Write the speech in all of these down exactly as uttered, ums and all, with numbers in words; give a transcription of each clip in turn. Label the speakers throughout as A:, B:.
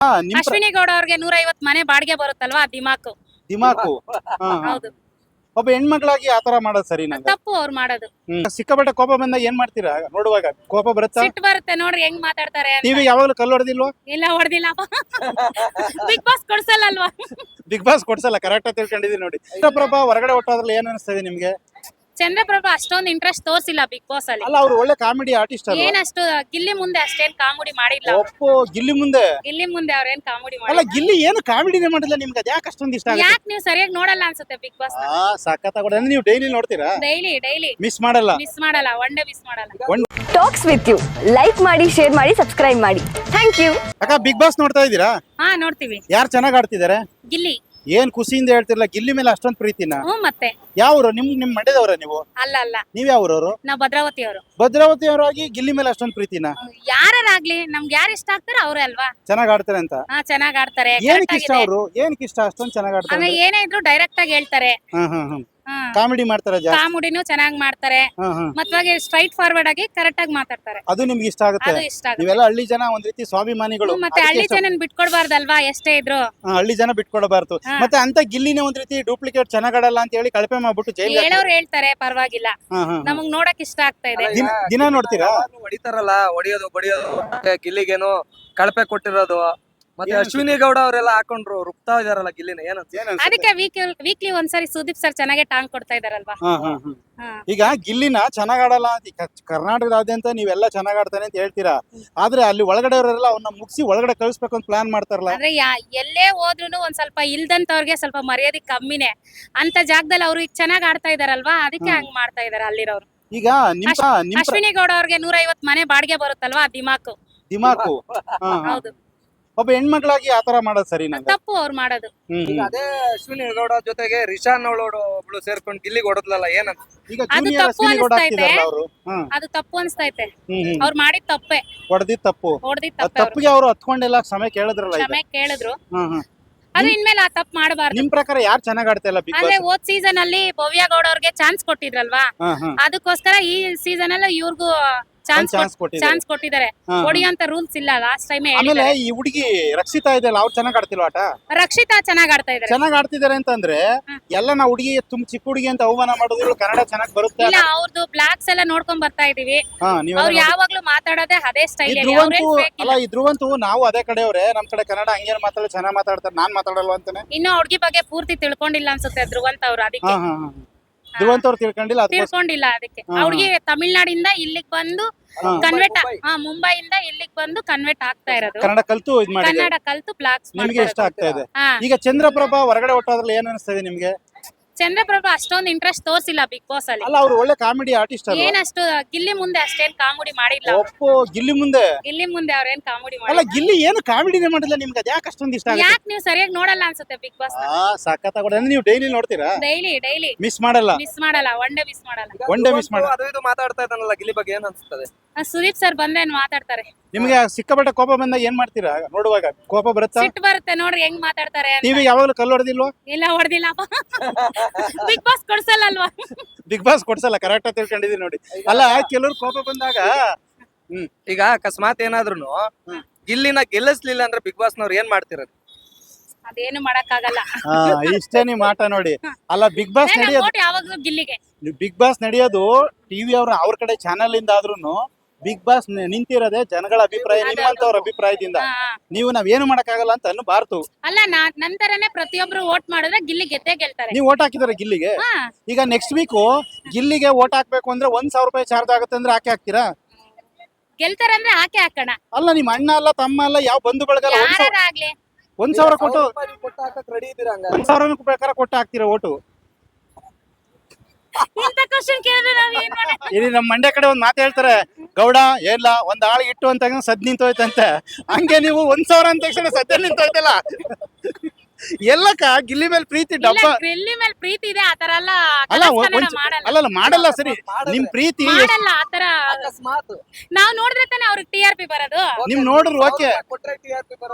A: ಅಶ್ವಿನಿ ಗೌಡ ಅವ್ರಿಗೆ ನೂರ ಐವತ್ತು ಮನೆ ಬಾಡಿಗೆ ಬರುತ್ತಲ್ವಾ ದಿಮಾಕು
B: ದಿಮಾಕು
A: ಹೌದು
B: ಒಬ್ಬ ಹೆಣ್ಮಕ್ಳಾಗಿ ಆತರ ಮಾಡೋದು ಸರಿ
A: ತಪ್ಪು ಅವ್ರು ಮಾಡೋದು.
B: ಸಿಕ್ಕಾಪಟ್ಟೆ ಕೋಪ ಬಂದಾಗ ಏನ್ ಮಾಡ್ತೀರಾ ನೋಡುವಾಗ? ಕೋಪ ಬರುತ್ತಾ?
A: ಸಿಟ್ಟು ಬರುತ್ತೆ ನೋಡ್ರಿ ಹೆಂಗ್ ಮಾತಾಡ್ತಾರೆ.
B: ಟಿವಿ ಯಾವಾಗಲೂ ಕಲ್ಲು ಹೊಡೆದಿಲ್ವಾ?
A: ಇಲ್ಲ ಹೊಡೆದಿಲ್ಲ. ಬಿಗ್ ಬಾಸ್ ಕೊಡ್ಸಲ್ಲ ಅಲ್ವಾ?
B: ಬಿಗ್ ಬಾಸ್ ಕೊಡ್ಸಲ್ಲ, ಕರೆಕ್ಟ್ ಆಗಿ ತಿಳ್ಕೊಂಡಿದೀನಿ ನೋಡಿ. ಚಂದ್ರಪ್ರಭಾ ಹೊರಗಡೆ ಹೊಟ್ಟೋದ್ರಲ್ಲಿ ಏನ್ ಅನಿಸ್ತದೆ ನಿಮ್ಗೆ?
A: ಚಂದ್ರಪ್ರಭಾ ಅಷ್ಟೊಂದು ಇಂಟ್ರೆಸ್ಟ್ ತೋರಿಸಿಲ್ಲ ಬಿಗ್ ಬಾಸ್ ಅಲ್ಲಿ.
B: ಅಲ್ಲ, ಅವ್ರು ಒಳ್ಳೆ ಕಾಮಿಡಿ ಆರ್ಟಿಸ್ಟ್ ಅಲ್ವಾ?
A: ಏನಷ್ಟು ಗಿಲ್ಲಿ ಮುಂದೆ ಅಷ್ಟೇನ್ ಕಾಮಿಡಿ ಮಾಡಿಲ್ಲ.
B: ಒಪ್ಪೋ, ಗಿಲ್ಲಿ ಮುಂದೆ
A: ಗಿಲ್ಲಿ ಮುಂದೆ ಅವ್ರೇನ್ ಕಾಮಿಡಿ
B: ಅಲ್ಲ,
A: ಮಾಡಿಲ್ಲ.
B: ಗಿಲ್ಲಿ ಏನು ಕಾಮಿಡಿನೇ ಮಾಡಿಲ್ಲ. ನಿಮ್ಗೆ ಅದ್ ಯಾಕೆ ಅಷ್ಟೊಂದು ಇಷ್ಟ ಆಗುತ್ತೆ?
A: ಯಾಕೆ ನೀವು ಸರಿಯಾಗಿ ನೋಡಲ್ಲ ಅನ್ಸುತ್ತೆ ಬಿಗ್ ಬಾಸ್?
B: ಆ ಸಖತ್ತಾಗಿ ನೀವು ಡೈಲಿ ನೋಡ್ತೀರಾ?
A: ಡೈಲಿ ಡೈಲಿ
B: ಮಿಸ್ ಮಾಡಲ್ಲ?
A: ಮಿಸ್ ಮಾಡಲ್ಲ, ಒನ್ ಡೇ ಮಿಸ್ ಮಾಡಲ್ಲ.
C: ಟಾಕ್ಸ್ ವಿತ್ ಯು ಲೈಕ್ ಮಾಡಿ, ಶೇರ್ ಮಾಡಿ, ಸಬ್ಸ್ಕ್ರೈಬ್ ಮಾಡಿ. Thank you.
B: ಅಕ್ಕ, ಬಿಗ್ ಬಾಸ್ ನೋಡ್ತಾ ಇದ್ದೀರಾ?
A: ಹಾ ನೋಡ್ತೀವಿ.
B: ಯಾರು ಚೆನ್ನಾಗ್ ಆಡ್ತಿದ್ದಾರೆ?
A: ಗಿಲ್ಲಿ.
B: ಏನ್ ಖುಷಿಯಿಂದ ಹೇಳ್ತಿರಲ್ಲ, ಗಿಲ್ಲಿ ಮೇಲೆ ಅಷ್ಟೊಂದು ಪ್ರೀತಿನ?
A: ಹ್ಮ್ ಮತ್ತೆ
B: ಯಾವ್ರು? ನಿಮ್ ನಿಮ್ ಮಂಡ್ಯದವ್ರ ನೀವು?
A: ಅಲ್ಲ ಅಲ್ಲ,
B: ನೀವ್ ಯಾವ್ರವ್ರು?
A: ನಾವ್ ಭದ್ರಾವತಿ ಅವರು.
B: ಭದ್ರಾವತಿ ಅವರಾಗಿ ಗಿಲ್ಲಿ ಮೇಲೆ ಅಷ್ಟೊಂದು ಪ್ರೀತಿನ?
A: ಯಾರಾಗ್ಲಿ ನಮ್ಗೆ ಯಾರು ಇಷ್ಟ ಆಗ್ತಾರ ಅವ್ರೇ ಅಲ್ವಾ?
B: ಚೆನ್ನಾಗ್ ಆಡ್ತಾರೆ ಅಂತ?
A: ಹಾ ಚೆನ್ನಾಗ್ ಆಡ್ತಾರೆ.
B: ಏನಕ್ಕೆ ಇಷ್ಟ ಅವ್ರು? ಏನಕ್ಕೆ ಇಷ್ಟ ಅಷ್ಟೊಂದು ಚೆನ್ನಾಗ್ ಆಡ್ತಾರೆ?
A: ಆಮೇಲೆ ಏನೇ ಇದ್ರು ಡೈರೆಕ್ಟ್ ಆಗಿ ಹೇಳ್ತಾರೆ.
B: ಹ್ಮ್ ಹ್ಮ್ ಹ್ಮ್ ಕಾಮಿಡಿ ಮಾಡ್ತಾರೆ ಜಾಸ್ತಿ.
A: ಕಾಮಿಡಿನೂ ಚೆನ್ನಾಗಿ ಮಾಡ್ತಾರೆ.
B: ಹ್ಮ್ ಹ್ಮ್
A: ಮತ್ವಾಗಿ ಸ್ಟ್ರೈಟ್ ಫಾರ್ವರ್ಡ್ ಆಗಿ ಕರೆಕ್ಟ್ ಆಗಿ ಮಾತಾಡ್ತಾರೆ.
B: ಅದು ನಿಮ್ಗೆ ಇಷ್ಟ ಆಗುತ್ತೆ?
A: ಅದು ಇಷ್ಟ ಆಗುತ್ತೆ.
B: ನೀವೆಲ್ಲ ಹಳ್ಳಿ ಜನ ಒಂದ್ ರೀತಿ ಸ್ವಾಭಿಮಾನಿಗಳು.
A: ಮತ್ತೆ ಹಳ್ಳಿ ಜನ ಬಿಟ್ಕೊಡ್ಬಾರ್ದಲ್ವಾ ಎಷ್ಟೇ ಇದ್ರು?
B: ಹಾ, ಹಳ್ಳಿ ಜನ ಬಿಟ್ಕೊಡಬಾರ್ದು. ಮತ್ತೆ ಅಂತ ಗಿಲ್ಲಿನೇ ಒಂದ್ ರೀತಿ ಡೂಪ್ಲಿಕೇಟ್ ಚೆನ್ನಾಗ್ ಆಡಲ್ಲ ಅಂತ ಹೇಳಿ ಕಳಪೆ ಮಾಡ್ಬಿಟ್ಟು ಜೈಲ್
A: ಹೇಳೋರು ಹೇಳ್ತಾರೆ, ಪರವಾಗಿಲ್ಲ. ನಮಗ್ ನೋಡಕ್ ಇಷ್ಟ ಆಗ್ತಾ ಇದೆ.
B: ದಿನ ನೋಡ್ತೀರಾ?
D: ಹೊಡಿತಾರಲ್ಲ, ಹೊಡಿಯೋದು ಬಡಿಯೋದು, ಗಿಲ್ಲಿಗೇನು ಕಳಪೆ ಕೊಟ್ಟಿರೋದು. ಮತ್ತೆ ಅಶ್ವಿನಿ ಗೌಡ ಅವರೆಲ್ಲ ಹಾಕೊಂಡ್ರು ರುಬ್ತಾ ಇದಾರಲ್ಲ ಗಿಲ್ಲಿನ. ಏನಂತ
A: ಅದಕ್ಕೆ ವೀಕ್ಲಿ ಒಂದ್ಸರಿ ಸುದೀಪ್ ಸರ್ ಚೆನ್ನಾಗೆ ಟಾಂಗ್ ಕೊಡ್ತಾ ಇದಾರಲ್ವಾ?
B: ಈಗ ಗಿಲ್ಲಿನ ಚೆನ್ನಾಗ್ ಆಡಲ್ಲ ಅಂತ ಕರ್ನಾಟಕದಾದ್ಯಂತ ನೀವೆಲ್ಲ ಚೆನ್ನಾಗ್ ಆಡ್ತಾನೆ ಅಂತ ಹೇಳ್ತೀರಾ, ಆದ್ರೆ ಅಲ್ಲಿ ಒಳಗಡೆ ಅವರೆಲ್ಲ ಅವನ್ನ ಮುಗಿಸಿ ಒಳಗಡೆ ಕಳಿಸ್ಬೇಕು ಅಂತ ಪ್ಲಾನ್ ಮಾಡ್ತಾರಲ್ಲ.
A: ಅಂದ್ರೆ ಎಲ್ಲೇ ಹೋದ್ರು ಒಂದ್ ಸ್ವಲ್ಪ ಇಲ್ದಂತವ್ರಿಗೆ ಸ್ವಲ್ಪ ಮರ್ಯಾದೆ ಕಮ್ಮಿನೇ. ಅಂತ ಜಾಗದಲ್ಲಿ ಅವ್ರು ಈಗ ಚೆನ್ನಾಗ್ ಆಡ್ತಾ ಇದಾರಲ್ವಾ, ಅದಕ್ಕೆ ಹಂಗ್ ಮಾಡ್ತಾ ಇದಾರೆ ಅಲ್ಲಿರೋರು.
B: ಈಗ
A: ಅಶ್ವಿನಿ ಗೌಡ ಅವ್ರಿಗೆ ನೂರ ಐವತ್ತು ಮನೆ ಬಾಡಿಗೆ ಬರುತ್ತಲ್ವಾ ದಿಮಾಕು
B: ದಿಮಾಕು
A: ಹೌದು.
B: ಒಬ್ಬ ಹೆಣ್ಮಕ್ಳಾಗಿ ಆತರ ಮಾಡೋದು ಸರಿ
A: ತಪ್ಪು ಅವ್ರು ಮಾಡೋದು.
D: ಅದೇ ಅಶ್ವಿನಿ ಗೌಡ ಜೊತೆಗೆ ರಿಷಾನ್ ಅವಳು ಒಬ್ಳು ಸೇರ್ಕೊಂಡು ಗಿಲ್ಲಿಗೆ ಹೊಡೆದ್ಲಲ್ಲ, ಏನಂತ?
A: ಅದು ತಪ್ಪು ಅನಿಸ್ತೈತೆ. ಅದು ತಪ್ಪು ಅನಿಸ್ತೈತೆ. ಅವ್ರು ಮಾಡಿದ ತಪ್ಪೆ,
B: ಹೊಡೆದಿದ್ ತಪ್ಪು.
A: ಹೊಡೆದಿದ್
B: ತಪ್ಪಿಗೆ ಅವ್ರು ಹತ್ಕೊಂಡೆಲ್ಲ ಕ್ಷಮೆ ಕೇಳಿದ್ರಲ್ಲ.
A: ಕ್ಷಮೆ ಕೇಳಿದ್ರು. ಅದು ಇನ್ಮೇಲೆ ಆ ತಪ್ಪು ಮಾಡಬಾರ್ದು.
B: ನಿಮ್ ಪ್ರಕಾರ ಯಾರು ಚೆನ್ನಾಗ್ ಆಡ್ತಾ ಇಲ್ಲ ಬಿಗ್ ಬಾಸ್?
A: ಅಂದ್ರೆ ಹೋದ್ ಸೀಸನ್ ಅಲ್ಲಿ ಭವ್ಯ ಗೌಡ ಅವ್ರಿಗೆ ಚಾನ್ಸ್ ಕೊಟ್ಟಿದ್ರಲ್ವಾ, ಅದಕ್ಕೋಸ್ಕರ ಈ ಸೀಸನ್ ಎಲ್ಲ ಇವ್ರಿಗೂ ಚಾನ್ಸ್ ಚಾನ್ಸ್ ಕೊಟ್ಟಿದ್ದಾರೆ. ಹೊಡಿಯೋಂತ ರೂಲ್ಸ್ ಇಲ್ಲ ಲಾಸ್ಟ್ ಟೈಮ್.
B: ಆಮೇಲೆ ಈ ಹುಡುಗಿ ರಕ್ಷಿತಾ ಇದೆಯಲ್ಲ, ಅವ್ರು ಚೆನ್ನಾಗ್ ಆಡ್ತಿಲ್ವಾ ಆಟ?
A: ರಕ್ಷಿತಾ ಚೆನ್ನಾಗ್ ಆಡ್ತಾ ಇದಾರೆ.
B: ಚೆನ್ನಾಗ್ ಆಡ್ತಿದಾರೆ ಅಂತಂದ್ರೆ ಎಲ್ಲ ನಾವು ಹುಡುಗಿ ತುಂಬ ಚಿಕ್ಕ ಹುಡುಗಿ ಅಂತ ಅವಮಾನ ಮಾಡೋದು. ಕನ್ನಡ ಚೆನ್ನಾಗ್ ಬರುತ್ತೆ.
A: ಇಲ್ಲ, ಅವ್ರದ್ದು ಬ್ಲಾಗ್ಸ್ ಎಲ್ಲ ನೋಡ್ಕೊಂಡ್ ಬರ್ತಾ ಇದೀವಿ. ಅವ್ರು ಯಾವಾಗ್ಲೂ ಮಾತಾಡೋದೇ ಅದೇ ಸ್ಟೈಲ್.
B: ಅಲ್ಲ, ಈ ಧ್ರುವಂತು ನಾವು ಅದೇ ಕಡೆಯವ್ರೆ, ನಮ್ ಕಡೆ ಕನ್ನಡ ಹಂಗೇನ್ ಮಾತಾಡಿ ಚೆನ್ನಾಗ್ ಮಾತಾಡ್ತಾರೆ, ನಾನ್ ಮಾತಾಡಲ್ವಾ ಅಂತಾನೆ.
A: ಇನ್ನು ಹುಡುಗಿ ಬಗ್ಗೆ ಪೂರ್ತಿ ತಿಳ್ಕೊಂಡಿಲ್ಲ ಅನ್ಸುತ್ತೆ ಧ್ರುವಂತ್ ಅವ್ರು. ಅದಕ್ಕೆ
B: ಧ್ರುವಂತ್ ಅವ್ರು ತಿಳ್ಕೊಂಡಿಲ್ಲ
A: ತಿಳ್ಕೊಂಡಿಲ್ಲ ಅದಕ್ಕೆ ಹುಡುಗಿ ತಮಿಳ್ನಾಡಿಂದ ಇಲ್ಲಿಗೆ ಬಂದು ಕನ್ವರ್ಟ್, ಮುಂಬೈಯಿಂದ ಇಲ್ಲಿಗೆ ಬಂದು ಕನ್ವರ್ಟ್ ಆಗ್ತಾ ಇರೋದು.
B: ಕನ್ನಡ ಕಲ್ತು ಇದ್ ಮಾಡಿ
A: ಕನ್ನಡ ಕಲ್ತು ಬ್ಲಾಗ್ಸ್
B: ನಿಮ್ಗೆ ಇಷ್ಟ ಆಗ್ತಾ ಇದೆ. ಈಗ ಚಂದ್ರಪ್ರಭಾ ಹೊರಗಡೆ ಹೊಟ್ಟೋದ್ರಲ್ಲಿ ಏನ್ ಅನಿಸ್ತದೆ ನಿಮ್ಗೆ?
A: ಚಂದ್ರಪ್ರಭಾ ಅಷ್ಟೊಂದು ಇಂಟ್ರೆಸ್ಟ್ ತೋರಿಸಿಲ್ಲ ಬಿಗ್ ಬಾಸ್ ಅಲ್ಲಿ.
B: ಅಲ್ಲ, ಅವ್ರು ಒಳ್ಳೆ ಕಾಮಿಡಿ ಆರ್ಟಿಸ್ಟ್ ಅಲ್ವಾ?
A: ಏನಷ್ಟು ಗಿಲ್ಲಿ ಮುಂದೆ ಅಷ್ಟೇನ್ ಕಾಮಿಡಿ ಮಾಡಿಲ್ಲ.
B: ಒಪ್ಪೋ, ಗಿಲ್ಲಿ ಮುಂದೆ
A: ಗಿಲ್ಲಿ ಮುಂದೆ ಅವ್ರೇನ್ ಕಾಮಿಡಿ
B: ಅಲ್ಲ,
A: ಮಾಡಿಲ್ಲ.
B: ಗಿಲ್ಲಿ ಏನು ಕಾಮಿಡಿನೇ ಮಾಡಿಲ್ಲ. ನಿಮ್ಗೆ ಅದ್ ಯಾಕೆ ಅಷ್ಟೊಂದು ಇಷ್ಟ ಆಗುತ್ತೆ?
A: ಯಾಕೆ ನೀವು ಸರಿಯಾಗಿ ನೋಡಲ್ಲ ಅನ್ಸುತ್ತೆ ಬಿಗ್ ಬಾಸ್?
B: ಆ ಸಖತ್ತಾಗಿ ನೀವು ಡೈಲಿ ನೋಡ್ತೀರಾ?
A: ಡೈಲಿ ಡೈಲಿ
B: ಮಿಸ್ ಮಾಡಲ್ಲ?
A: ಮಿಸ್ ಮಾಡಲ್ಲ, ಒನ್ ಡೇ ಮಿಸ್ ಮಾಡಲ್ಲ.
B: ಒನ್ ಡೇ ಮಿಸ್ ಮಾಡಲ್ಲ.
D: ಅದು ಇದು ಮಾತಾಡ್ತಾ ಇದ್ದಾನಲ್ಲ ಗಿಲ್ಲಿ ಬಗ್ಗೆ, ಏನ್ ಅನ್ಸುತ್ತದೆ?
A: ಸುದೀಪ್ ಸರ್ ಬಂದ್ರೆ ಮಾತಾಡ್ತಾರೆ.
B: ನಿಮ್ಗೆ ಸಿಕ್ಕಾಪಟ್ಟೆ ಕೋಪ ಬಂದಾಗ ಏನ್ ಮಾಡ್ತೀರಾ ನೋಡುವಾಗ? ಕೋಪ ಬರುತ್ತಾ?
A: ಸಿಟ್ಟು ಬರುತ್ತೆ ನೋಡ್ರಿ ಹೆಂಗ್ ಮಾತಾಡ್ತಾರೆ.
B: ಟಿವಿ ಯಾವಾಗಲೂ ಕಲ್ಲು ಹೊಡೆದಿಲ್ವಾ?
A: ಇಲ್ಲ ಹೊಡೆದಿಲ್ಲ. ಬಿಗ್ ಬಾಸ್ ಕೊಡ್ಸಲ್ಲ ಅಲ್ವಾ?
B: ಬಿಗ್ ಬಾಸ್ ಕೊಡ್ಸಲ್ಲ, ಕರೆಕ್ಟ್ ಆಗಿ ತಿಳ್ಕೊಂಡಿದೀನಿ ನೋಡಿ. ಅಲ್ಲ, ಕೆಲವ್ರು ಕೋಪ ಬಂದಾಗ ಹ್ಮ್
D: ಈಗ ಅಕಸ್ಮಾತ್ ಏನಾದ್ರು ಗಿಲ್ಲಿನ ಗೆಲ್ಲಿಸ್ಲಿಲ್ಲ ಅಂದ್ರೆ ಬಿಗ್ ಬಾಸ್ ನವ್ರು ಏನ್ ಮಾಡ್ತಿರೋದು?
A: ಅದೇನು ಮಾಡಕ್ ಆಗಲ್ಲ.
B: ಇಷ್ಟೇ ನಿಮ್ ಆಟ ನೋಡಿ. ಅಲ್ಲ, ಬಿಗ್ ಬಾಸ್ ನಡೆಯೋದು
A: ಯಾವಾಗ್ಲೂ ಗಿಲ್ಲಿಗೆ.
B: ಬಿಗ್ ಬಾಸ್ ನಡೆಯೋದು ಟಿವಿ ಅವ್ರ ಅವ್ರ ಕಡೆ ಚಾನಲ್ ಇಂದ ಆದ್ರೂನು ಬಿಗ್ ಬಾಸ್ ನಿಂತಿರೋದೇ ಜನಗಳ ಅಭಿಪ್ರಾಯ, ನಿಮ್ಮಂತವ್ರ ಅಭಿಪ್ರಾಯದಿಂದ. ನೀವು ನಾವೇನು ಮಾಡಕ್ಕಾಗಲ್ಲ ಅಂತ ಅನ್ನಬಾರ್ದು.
A: ಅಲ್ಲ, ನಂತರನೇ ಪ್ರತಿಯೊಬ್ರು ವೋಟ್ ಮಾಡಿದ್ರೆ ಗಿಲ್ಲಿ ಗೆದ್ದೇ ಗೆಲ್ತಾರೆ.
B: ನೀವು ವೋಟ್ ಹಾಕಿದಾರೆ ಗಿಲ್ಲಿಗೆ? ಈಗ ನೆಕ್ಸ್ಟ್ ವೀಕ್ ಗಿಲ್ಲಿಗೆ ವೋಟ್ ಹಾಕ್ಬೇಕು ಅಂದ್ರೆ ಒಂದ್ ಸಾವಿರ ರೂಪಾಯಿ ಚಾರ್ಜ್ ಆಗುತ್ತೆ ಅಂದ್ರೆ ಹಾಕಿ ಹಾಕ್ತೀರಾ?
A: ಗೆಲ್ತಾರೆ ಅಂದ್ರೆ ಹಾಕಿ ಹಾಕೋಣ.
B: ಅಲ್ಲ, ನಿಮ್ ಅಣ್ಣ ಅಲ್ಲ, ತಮ್ಮ ಅಲ್ಲ, ಯಾವ ಬಂಧು ಬಳಗಲ್ಲ,
A: ಯಾರಾಗ್ಲಿ
B: ಒಂದ್ ಸಾವಿರ ಕೊಟ್ಟು
D: ರೆಡಿ ಇದೀರಾ?
B: ಒಂದ್ ಸಾವಿರ ಬೇಕಾದ್ರೆ ಕೊಟ್ಟು ಹಾಕ್ತೀರಾ ಓಟು? ಇಲ್ಲಿ ನಮ್ ಮಂಡ್ಯ ಕಡೆ ಒಂದ್ ಮಾತು ಹೇಳ್ತಾರೆ, ಗೌಡ ಎಲ್ಲ ಒಂದ್ ಆಳ್ ಇಟ್ಟು ಅಂತ ಸದ್ ನಿಂತೋಯ್ತಂತೆ. ಹಂಗೆ ನೀವು ಒಂದ್ ಸಾವಿರ ಅಂತ ತಕ್ಷಣ ಸದ್ಯ ನಿಂತೋಯ್ತಲ್ಲ. ಎಲ್ಲಕ್ಕ ಗಿಲ್ಲಿ ಮೇಲೆ ಪ್ರೀತಿ ಡಬ್ಬ.
A: ಗಿಲ್ಲಿ ಮೇಲೆ ಪ್ರೀತಿ ಇದೆ, ಆತರ ಅಲ್ಲ.
B: ಅಲ್ಲ ಅಲ್ಲ ಮಾಡಲ್ಲ ಸರಿ. ನಿಮ್ ಪ್ರೀತಿ
A: ಆತರ ನಾವ್ ನೋಡಿದ್ರೆ ತಾನೆ ಅವ್ರಿಗೆ ಟಿ ಆರ್ ಪಿ ಬರೋದು.
B: ನಿಮ್ ನೋಡ್ರಿ ಓಕೆ.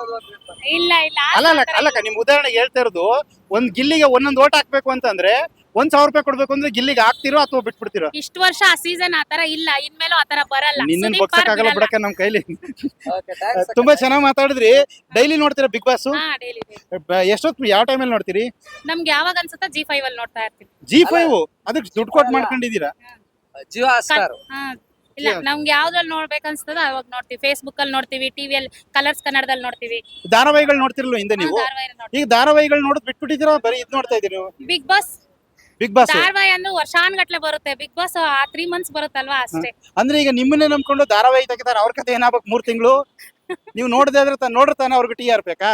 A: ಇಲ್ಲ ಇಲ್ಲ
B: ಅಲ್ಲ ಅಲ್ಲ ಅಲ್ಲಕ್ಕ, ನಿಮ್ ಉದಾಹರಣೆಗೆ ಹೇಳ್ತಾ ಇರೋದು, ಒಂದ್ ಗಿಲ್ಲಿಗೆ ಒಂದೊಂದ್ ಓಟ್ ಹಾಕ್ಬೇಕು ಅಂತಂದ್ರೆ ಒಂದ್ ಸಾವಿರ ರೂಪಾಯಿ ಕೊಡ್ಬೇಕು ಅಂದ್ರೆ ಗಿಲ್ಲಿಗೆ ಹಾಕ್ತಿರೋ ಅಥವಾ ಬಿಟ್ಬಿಡ್ತಿರೋ?
A: ಇಷ್ಟು ವರ್ಷ ಆ ಸೀಸನ್ ಆತರ ಇಲ್ಲ, ಇನ್ಮೇಲೂ ಆತರ ಬರಲ್ಲ.
B: ನಿನ್ನ
A: ಸುದೀಪ್
B: ಬಗ್ಸಕ್ ಆಗಲ್ಲ
A: ಬಿಡಲ್ಲ.
B: ಬಿಡಕ್ಕೆ ನಮ್ ಕೈಲಿ.
D: Okay, thanks.
B: ತುಂಬಾ ಚೆನ್ನಾಗಿ ಮಾತಾಡಿದ್ರಿ. ಡೈಲಿ ನೋಡ್ತೀರಾ ಬಿಗ್ ಬಾಸ್?
A: ಹಾ, daily, daily.
B: ಎಷ್ಟೊತ್ತು ಯಾವ ಟೈಮಲ್ಲಿ ನೋಡ್ತೀರಿ?
A: ನಮ್ಗೆ ಯಾವಾಗ ಅನ್ಸುತ್ತಾ ಜಿ ಫೈವ್ ಅಲ್ಲಿ ನೋಡ್ತಾ ಇರ್ತೀವಿ.
B: ಜಿ ಫೈವ್ ಅದಕ್ಕೆ ದುಡ್ಡು ಕೊಟ್ಟು ಮಾಡ್ಕೊಂಡಿದ್ದೀರಾ?
D: ಜಿಯೋ ಸ್ಟಾರ್.
A: ಹಾ, ಇಲ್ಲ ನಮ್ಗೆ ಯಾವ್ದ್ರಲ್ಲಿ ನೋಡ್ಬೇಕನ್ಸ್ತದ ಅವಾಗ ನೋಡ್ತೀವಿ. ಫೇಸ್ಬುಕ್ ಅಲ್ಲಿ ನೋಡ್ತೀವಿ, ಟಿವಿಯಲ್ಲಿ ಕಲರ್ಸ್ ಕನ್ನಡದಲ್ಲಿ ನೋಡ್ತೀವಿ.
B: ಧಾರಾವಾಹಿಗಳು ನೋಡ್ತಿರ್ಲಿಲ್ಲ ಹಿಂದೆ ನೀವು? ಈಗ ಧಾರಾವಾಹಿಗಳು ನೋಡೋದ್ ಬಿಟ್ಬಿಟ್ಟಿದ್ದೀರಾ, ಬರೀ ಇದ್ ನೋಡ್ತಾ ಇದೀರಿ ನೀವು?
A: ಬಿಗ್ ಬಾಸ್
B: ಬಿಗ್ ಬಾಸ್
A: ಧಾರಾವಾಹಿ ಅಂದ್ರೆ ವರ್ಷಾನ್ಗಟ್ಲೆ ಬರುತ್ತೆ. ಬಿಗ್ ಬಾಸ್ ಆ ತ್ರೀ ಮಂತ್ಸ್ ಬರುತ್ತಲ್ವಾ ಅಷ್ಟೇ.
B: ಅಂದ್ರೆ ಈಗ ನಿಮ್ಮನ್ನೇ ನಂಬ್ಕೊಂಡು ಧಾರಾವಾಹಿ ತೆಗಿತಾರೆ, ಅವ್ರ ಕತೆ ಏನಾಗ್ಬೇಕು ಮೂರ್ ತಿಂಗಳು ನೀವು ನೋಡದೆ ಆದ್ರೆ ತಾನು ನೋಡಿರ್ತಾನೆ ಅವ್ರಿಗೆ ಟೀ ಆರ್ಬೇಕಾ?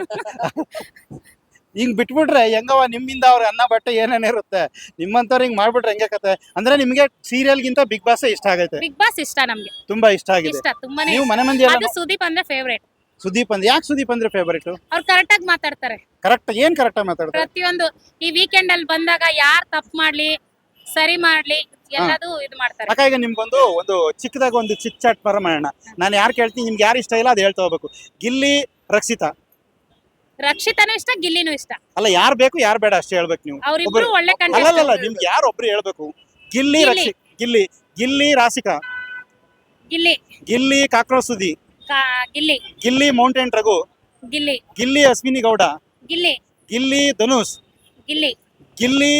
B: ಹಿಂಗ್ ಬಿಟ್ಬಿಟ್ರೆ ಹೆಂಗವ, ನಿಮ್ಮಿಂದ ಅವ್ರ ಅನ್ನ ಬಟ್ಟೆ ಏನೇನೇ ಇರುತ್ತೆ, ನಿಮ್ಮಂತವ್ರು ಹಿಂಗ್ ಮಾಡ್ಬಿಟ್ರೆ ಹೆಂಗೆ ಕತೆ? ಅಂದ್ರೆ ನಿಮ್ಗೆ ಸೀರಿಯಲ್ ಗಿಂತ ಬಿಗ್ ಬಾಸ್ ಇಷ್ಟ ಆಗೈತೆ?
A: ಬಿಗ್ ಬಾಸ್ ಇಷ್ಟ ನಮ್ಗೆ,
B: ತುಂಬಾ ಇಷ್ಟ ಆಗಿದೆ.
A: ಇಷ್ಟ ತುಂಬಾನೇ
B: ನೀವು
A: ಇಷ್ಟ.
B: ಮನೆ ಮಂದಿ ಎಲ್ಲ
A: ಅದು ಸುದೀಪ್ ಅಂದ್ರೆ ಫೇವ್ರೇಟ್.
B: ಸುದೀಪ್ ಅಂದ್ರೆ ಯಾಕೆ ಸುದೀಪ್ ಅಂದ್ರೆ ಫೇವರೇಟ್?
A: ಅವ್ರು ಕರೆಕ್ಟ್ ಆಗಿ ಮಾತಾಡ್ತಾರೆ.
B: ಕರೆಕ್ಟ್ ಏನ್ ಕರೆಕ್ಟ್ ಆಗಿ ಮಾತಾಡ್ತಾರೆ?
A: ಪ್ರತಿಯೊಂದು ಈ ವೀಕೆಂಡ್ ಅಲ್ಲಿ ಬಂದಾಗ ಯಾರ್ ತಪ್ಪು ಮಾಡ್ಲಿ ಸರಿ ಮಾಡ್ಲಿ ಎಲ್ಲದೂ ಇದು ಮಾಡ್ತಾರೆ.
B: ಅಕ್ಕ ಈಗ ನಿಮ್ಗೊಂದು ಒಂದು ಚಿಕ್ಕದಾಗ ಒಂದು ಚಿಕ್ ಚಾಟ್ ಪರ ಮಾಡೋಣ. ನಾನು ಯಾರು ಕೇಳ್ತೀನಿ, ನಿಮ್ಗೆ ಯಾರು ಇಷ್ಟ ಇಲ್ಲ ಅದು ಹೇಳ್ತಾ ಹೋಗ್ಬೇಕು. ಗಿಲ್ಲಿ, ರಕ್ಷಿತಾ?
A: ರಕ್ಷಿತಾನು ಇಷ್ಟ, ಗಿಲ್ಲಿನೂ ಇಷ್ಟ.
B: ಅಲ್ಲ, ಯಾರು ಬೇಕು ಯಾರು ಬೇಡ ಅಷ್ಟೇ ಹೇಳ್ಬೇಕು ನೀವು.
A: ಅವ್ರಿಬ್ರು ಒಳ್ಳೆ
B: ಅಲ್ಲಲ್ಲ
A: ಕಂಟೆಂಟ್.
B: ನಿಮ್ಗೆ ಯಾರು ಒಬ್ರು ಹೇಳ್ಬೇಕು. ಗಿಲ್ಲಿ,
A: ಗಿಲ್ಲಿ.
B: ರಕ್ಷಿ ಗಿಲ್ಲಿ ಗಿಲ್ಲಿ ರಾಸಿಕಾ?
A: ಗಿಲ್ಲಿ
B: ಗಿಲ್ಲಿ ಕಾಕ್ರೋಚ್ ಸುದಿ?
A: ಕಾ- ಗಿಲ್ಲಿ
B: ಗಿಲ್ಲಿ ಮೌಂಟೇನ್ ರಘು?
A: ಗಿಲ್ಲಿ
B: ಗಿಲ್ಲಿ ಅಶ್ವಿನಿ ಗೌಡ?
A: ಗಿಲ್ಲಿ
B: ಗಿಲ್ಲಿ ಧನುಷ್?
A: ಗಿಲ್ಲಿ
B: ಗಿಲ್ಲಿ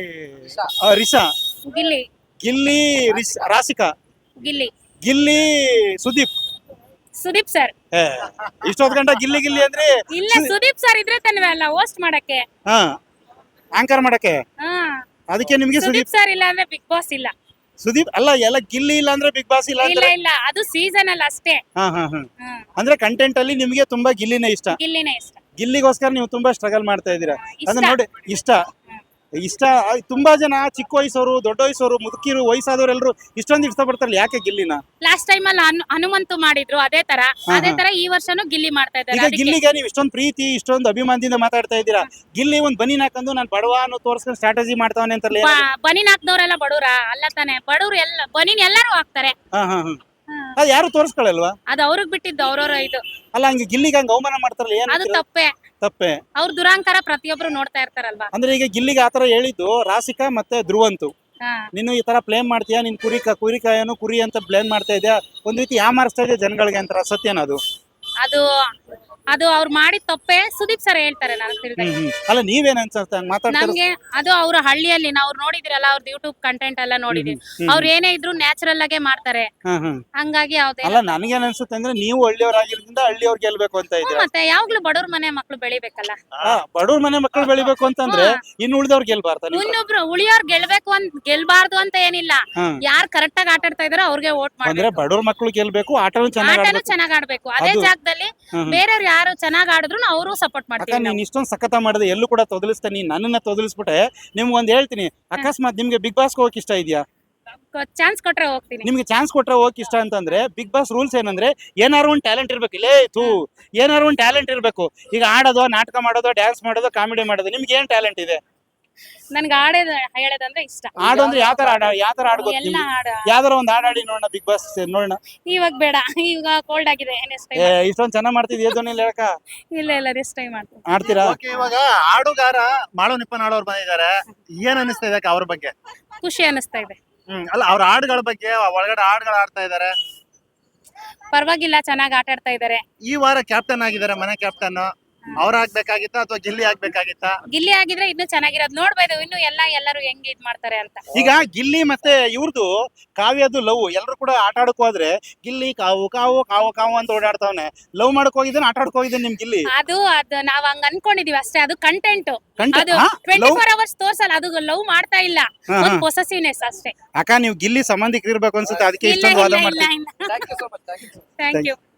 B: ಆ, ರಿಷಾ?
A: ಗಿಲ್ಲಿ
B: ಗಿಲ್ಲಿ ರಿಷ್- ರಾಸಿಕಾ?
A: ಗಿಲ್ಲಿ
B: ಗಿಲ್ಲಿ ಸುದೀಪ್?
A: ಸುದೀಪ್ ಸರ್.
B: ಏ, ಇಷ್ಟೊತ್ತು ಗಂಟ ಗಿಲ್ಲಿ ಗಿಲ್ಲಿ ಅಂದ್ರೆ
A: ಇಲ್ಲ, ಸುದೀಪ್ ಸರ್ ಇದ್ರೆ ತಾನೇ ಅಲ್ಲ ಹೋಸ್ಟ್ ಮಾಡಕ್ಕೆ.
B: ಹಾ ಆಂಕರ್ ಮಾಡಕ್ಕೆ.
A: ಹಾ,
B: ಅದಕ್ಕೆ ನಿಮ್ಗೆ ಸುದೀಪ್
A: ಸುದೀಪ್ ಸರ್ ಇಲ್ಲ ಅಂದ್ರೆ ಬಿಗ್ ಬಾಸ್ ಇಲ್ಲ.
B: ಸುದೀಪ್ ಅಲ್ಲ, ಎಲ್ಲ ಗಿಲ್ಲಿ ಇಲ್ಲ ಅಂದ್ರೆ ಬಿಗ್ ಬಾಸ್ ಇಲ್ಲ
A: ಇಲ್ಲ
B: ಅಂದ್ರೆ?
A: ಇಲ್ಲ, ಅದು ಸೀಸನ್ ಅಲ್ಲಿ ಅಷ್ಟೇ.
B: ಹಾ ಹಾ ಹಾ
A: ಹ್ಮ್.
B: ಅಂದ್ರೆ ಕಂಟೆಂಟ್ ಅಲ್ಲಿ ನಿಮ್ಗೆ ತುಂಬಾ ಗಿಲ್ಲಿನೇ ಇಷ್ಟ.
A: ಗಿಲ್ಲಿನೇ ಇಷ್ಟ.
B: ಗಿಲ್ಲಿಗೋಸ್ಕರ ನೀವು ತುಂಬಾ ಸ್ಟ್ರಗಲ್ ಮಾಡ್ತಾ ಇದ್ದೀರಾ.
A: ಇಷ್ಟ.
B: ಅಂದ್ರೆ ನೋಡಿ, ಇಷ್ಟ ಇಷ್ಟ ತುಂಬಾ ಜನ ಚಿಕ್ಕ ವಯಸ್ಸವರು, ದೊಡ್ಡ ವಯಸ್ಸವರು, ಮುದುಕಿರು, ವಯಸ್ಸಾದವರೆಲ್ಲರೂ ಇಷ್ಟೊಂದು ಇಷ್ಟಪಡ್ತಾರಲ್ಲ, ಯಾಕೆ ಗಿಲ್ಲಿನ?
A: ಲಾಸ್ಟ್ ಟೈಮ್ ಅಲ್ಲಿ ಹನು- ಹನುಮಂತು ಮಾಡಿದ್ರು ಅದೇ ತರ,
B: ಹಾ,
A: ಅದೇ
B: ಹಾ.
A: ತರ ಈ ವರ್ಷನೂ ಗಿಲ್ಲಿ ಮಾಡ್ತಾ ಇದ್ದಾರೆ.
B: ಈಗ
A: ಅದಕ್ಕೆ
B: ಗಿಲ್ಲಿಗೆ ನೀವು ಇಷ್ಟೊಂದು ಪ್ರೀತಿ, ಇಷ್ಟೊಂದು ಅಭಿಮಾನದಿಂದ ಮಾತಾಡ್ತಾ ಇದ್ದೀರಾ. ಗಿಲ್ಲಿ ಒಂದ್ ಬನಿ ಹಾಕೊಂಡು ನಾನು ಬಡವ ಅನ್ನೋ ತೋರ್ಸ್ಕೊಂಡು ಸ್ಟ್ರಾಟಜಿ ಮಾಡ್ತಾವನೆ ಅಂತಾರಲ್ಲ, ಏನು?
A: ಬ- ಬನಿನ್ ಹಾಕ್ದವ್ರೆಲ್ಲ ಬಡವ್ರ ಅಲ್ಲ ತಾನೆ? ಬಡವ್ರು ಎಲ್ಲ ಬನಿನ್ ಎಲ್ಲರೂ ಹಾಕ್ತಾರೆ.
B: ಹಾ ಹಾ ಹಾ ಅದು ಯಾರು ತೋರಿಸ್ಕೊಳ್ಳಲ್ವಾ?
A: ಅದು ಅವ್ರಿಗೆ ಬಿಟ್ಟಿದ್ದು, ಅವ್ರವ್ರ ಇದು.
B: ಅಲ್ಲ, ಹಂಗೆ ಗಿಲ್ಲಿಗೆ ಹಂಗ ಅವಮಾನ ಮಾಡ್ತಾರಲ್ಲ, ಏನು
A: ಅದು ತಪ್ಪೇ.
B: ತಪ್ಪೆ?
A: ಅವ್ರ ದುರಾಂಕಾರ ಪ್ರತಿಯೊಬ್ರು ನೋಡ್ತಾ ಇರ್ತಾರಲ್ವಾ.
B: ಅಂದ್ರೆ ಈಗ ಗಿಲ್ಲಿಗೆ ಆತರ ಹೇಳಿದ್ದು ರಾಸಿಕಾ ಮತ್ತೆ ಧ್ರುವಂತು.
A: ಹಾ.
B: ನೀನು ಈ ತರ ಪ್ಲೇಮ್ ಮಾಡ್ತೀಯಾ, ನಿನ್ ಕುರಿ ಕುರಿಕಾಯನು ಕುರಿ ಅಂತ ಬ್ಲೇಮ್ ಮಾಡ್ತಾ ಇದೆಯಾ, ಒಂದ್ ರೀತಿ ಯಾಮಾರಿಸ್ತಾ ಇದೆ ಜನಗಳಿಗೆ ಅಂತಾರ, ಸತ್ಯನ ಅದು?
A: ಅದು ಅದು ಅವ್ರು ಮಾಡಿದ ತಪ್ಪೇ. ಸುದೀಪ್ ಸರ್ ಹೇಳ್ತಾರೆ ನನಗೆ ತಿಳಿದ.
B: ಹ್ಮ್ ಹ್ಮ್ ಅಲ್ಲ, ನೀವೇನ್ ಅನ್ಸುತ್ತೆ ಹಂಗ್ ಮಾತಾಡ್ತಾರೆ?
A: ನಮ್ಗೆ ಅದು ಅವ್ರ ಹಳ್ಳಿಯಲ್ಲಿ ನಾವು ನೋಡಿದಿರಲ್ಲ, ಅವ್ರದ್ದು ಯೂಟ್ಯೂಬ್ ಕಂಟೆಂಟ್ ಎಲ್ಲ ನೋಡಿದೀವಿ.
B: ಹ್ಮ್.
A: ಅವ್ರು ಏನೇ ಇದ್ರು ನ್ಯಾಚುರಲ್ ಆಗೇ ಮಾಡ್ತಾರೆ.
B: ಹ್ಮ್ ಹ್ಮ್
A: ಹಂಗಾಗಿ ಯಾವ್ದೇ
B: ಅಲ್ಲ, ನನಗೇನ್ ಅನ್ಸುತ್ತೆ ಅಂದ್ರೆ ನೀವು ಹಳ್ಳಿಯವರಾಗಿರೋದ್ರಿಂದ ಹಳ್ಳಿಯವ್ರು ಗೆಲ್ಬೇಕು ಅಂತ ಇದ್ದೀರಾ.
A: ಮತ್ತೆ ಯಾವಾಗ್ಲೂ ಬಡವ್ರ ಮನೆ ಮಕ್ಳು ಬೆಳಿಬೇಕಲ್ಲ.
B: ಬಡವ್ರ ಮನೆ ಮಕ್ಕಳು ಬೆಳಿಬೇಕು ಅಂತಂದ್ರೆ ಇನ್ನು ಉಳಿದವ್ರು ಗೆಲ್ಬಾರ್ದ?
A: ಇನ್ನೊಬ್ರು ಉಳಿಯೋರ್ ಗೆಲ್ಬೇಕು ಅಂತ ಗೆಲ್ಬಾರ್ದು ಅಂತ ಏನಿಲ್ಲ.
B: ಹ್ಮ್.
A: ಯಾರ್ ಕರೆಕ್ಟ್ ಆಗಿ ಆಟ ಆಡ್ತಾ ಇದಾರೋ ಅವ್ರಿಗೆ ವೋಟ್
B: ಅಂದ್ರೆ
A: ಮಾಡ್ಬೇಕು.
B: ಬಡವ್ರ ಮಕ್ಕಳು ಗೆಲ್ಬೇಕು, ಆಟನು ಚೆನ್ನಾಗಿ
A: ಆಟನು
B: ಆಡ್ಬೇಕು.
A: ಚೆನ್ನಾಗ್ ಆಡ್ಬೇಕು. ಅದೇ
B: ಅದು-
A: ಜಾಗದಲ್ಲಿ
B: ಹ್ಮ್.
A: ಬೇರೆಯವ್ರು ಯಾರು ಚೆನ್ನಾಗ್ ಆಡಿದ್ರು ಅವರು ಸಪೋರ್ಟ್
B: ಅಕ್ಕ,
A: ಮಾಡ್ತೀವಿ
B: ನೀನ್
A: ನಾವು.
B: ಇಷ್ಟೊಂದು ಸಖತ ಮಾಡಿದೆ, ಎಲ್ಲೂ ಕೂಡ ತೊದಲಿಸ್ತಾ ನೀನ್ ನನ್ನನ್ನ ತೊದಲಿಸ್ಬಿಟ್ಟೆ. ನಿಮ್ಗೆ ಒಂದ್ ಹೇಳ್ತೀನಿ, ಅಕಸ್ಮಾತ್ ನಿಮ್ಗೆ ಬಿಗ್ ಬಾಸ್ ಹೋಗಕ್ ಇಷ್ಟ ಇದೆಯಾ?
A: ಚಾನ್ಸ್ ಕೊಟ್ರೆ ಹೋಗ್ತೀನಿ.
B: ನಿಮ್ಗೆ ಚಾನ್ಸ್ ಕೊಟ್ರೆ ಹೋಗಕ್ ಇಷ್ಟ ಅಂತಂದ್ರೆ ಬಿಗ್ ಬಾಸ್ ರೂಲ್ಸ್ ಏನಂದ್ರೆ ಏನಾರು ಒಂದ್ ಟ್ಯಾಲೆಂಟ್ ಇರ್ಬೇಕು. ಇಲ್ಲೇ ತೂ ಏನಾರು ಒಂದ್ ಟ್ಯಾಲೆಂಟ್ ಇರ್ಬೇಕು. ಈಗ ಆಡೋದು, ನಾಟಕ ಮಾಡೋದು, ಡ್ಯಾನ್ಸ್ ಮಾಡೋದು, ಕಾಮಿಡಿ ಮಾಡೋದು, ನಿಮ್ಗೆ ಏನ್ ಟ್ಯಾಲೆಂಟ್ ಇದೆ?
A: ನನ್ಗೆ ಆಡೋದ್ ಹೇಳೋದಂದ್ರೆ ಇಷ್ಟ.
B: ಆಡು ಅಂದ್ರೆ ಯಾವ ತರ ಆಡ ಯಾವ ತರ ಆಡ್ಬೋದು
A: ಎಲ್ಲ
B: ನಿಮ್ಗೆ?
A: ಆಡ
B: ಯಾವ್ದಾರ ಒಂದ್ ಆಡಾಡಿ ನೋಡೋಣ, ಬಿಗ್ ಬಾಸ್ ನೋಡೋಣ.
A: ಇವಾಗ ಬೇಡ, ಇವಾಗ ಕೋಲ್ಡ್ ಆಗಿದೆ. ನೆಕ್ಸ್ಟ್
B: ಏ
A: ಟೈಮ್
B: ಇಷ್ಟೊಂದ್ ಚೆನ್ನಾಗ್ ಮಾಡ್ತಿದ್ಯ ಧ್ವನಿಲಿ ಹೇಳಕ?
A: ಇಲ್ಲ ಇಲ್ಲ ನೆಕ್ಸ್ಟ್ ಟೈಮ್ ಮಾಡ್ತೀನಿ.
B: ಆಡ್ತೀರಾ?
E: ಓಕೆ, ಇವಾಗ ಆಡುಗಾರ ಮಾಳು ನಿಪ್ಪನಾಳವ್ರು ಬಂದಿದ್ದಾರೆ. ಏನ್ ಅನಿಸ್ತಾ ಇದೆ ಅವ್ರ ಬಗ್ಗೆ?
A: ಖುಷಿ ಅನಿಸ್ತಾ ಇದೆ.
E: ಹ್ಮ್ ಅಲ್ಲ, ಅವ್ರ ಹಾಡುಗಳ ಬಗ್ಗೆ, ಒಳಗಡೆ ಹಾಡುಗಳು ಆಡ್ತಾ ಇದಾರೆ.
A: ಪರವಾಗಿಲ್ಲ, ಚೆನ್ನಾಗಿ ಆಟ ಆಡ್ತಾ ಇದಾರೆ.
E: ಈ ವಾರ ಕ್ಯಾಪ್ಟನ್ ಆಗಿದ್ದಾರೆ, ಮನೆ ಕ್ಯಾಪ್ಟನ್. ಅವ್ರ ಆಗ್ಬೇಕಾಗಿತ್ತ ಅಥವಾ ಗಿಲ್ಲಿ ಆಗ್ಬೇಕಾಗಿತ್ತ?
A: ಗಿಲ್ಲಿ ಆಗಿದ್ರೆ ಇನ್ನು ಚೆನ್ನಾಗಿರೋದು. ನೋಡ್ಬೋದು ಇನ್ನು ಎಲ್ಲ ಎಲ್ಲರೂ ಹೆಂಗ್ ಇದ್ ಮಾಡ್ತಾರೆ ಅಂತ.
B: ಈಗ ಗಿಲ್ಲಿ ಮತ್ತೆ ಇವ್ರದ್ದು ಕಾವ್ಯದ್ದು ಲವ್ ಎಲ್ಲರೂ ಕೂಡ ಆಟ ಆಡಕ್ ಹೋದ್ರೆ ಗಿಲ್ಲಿ ಕಾವು ಕಾವು ಕಾವು ಕಾವು ಅಂತ ಓಡಾಡ್ತಾವನೆ. ಲವ್ ಮಾಡಕ್ ಹೋಗಿದ್ದಾನೆ, ಆಟ ಆಡಕ್ ಹೋಗಿದ್ದಾನೆ ನಿಮ್ ಗಿಲ್ಲಿ.
A: ಅದು ಅದು ನಾವ್ ಹಂಗ ಅನ್ಕೊಂಡಿದೀವಿ ಅಷ್ಟೇ. ಅದು ಕಂಟೆಂಟ್.
B: Content-
A: ಅದು
B: ಹಾ?
A: ಟ್ವೆಂಟಿ
B: Love-
A: ಫೋರ್ ಅವರ್ಸ್ ತೋರ್ಸಲ್ಲ. ಅದು ಲವ್ ಮಾಡ್ತಾ ಇಲ್ಲ,
B: ಹಾ,
A: ಒಂದು
B: ಹಾ.
A: ಪೊಸೆಸಿವ್ನೆಸ್ ಅಷ್ಟೇ.
B: ಅಕ್ಕ, ನೀವು ಗಿಲ್ಲಿ ಸಂಬಂಧಿಕರು ಇರ್ಬೇಕು ಅನ್ಸುತ್ತೆ, ಅದಕ್ಕೆ
A: ಇಲ್ಲ
B: ಇಷ್ಟೊಂದು ವಾದ
A: ಇಲ್ಲ ಇಲ್ಲ
B: ಮಾಡ್ತೀವಿ.
A: ಇಲ್ಲ.
D: Thank you so much. Thank you.
A: Thank you.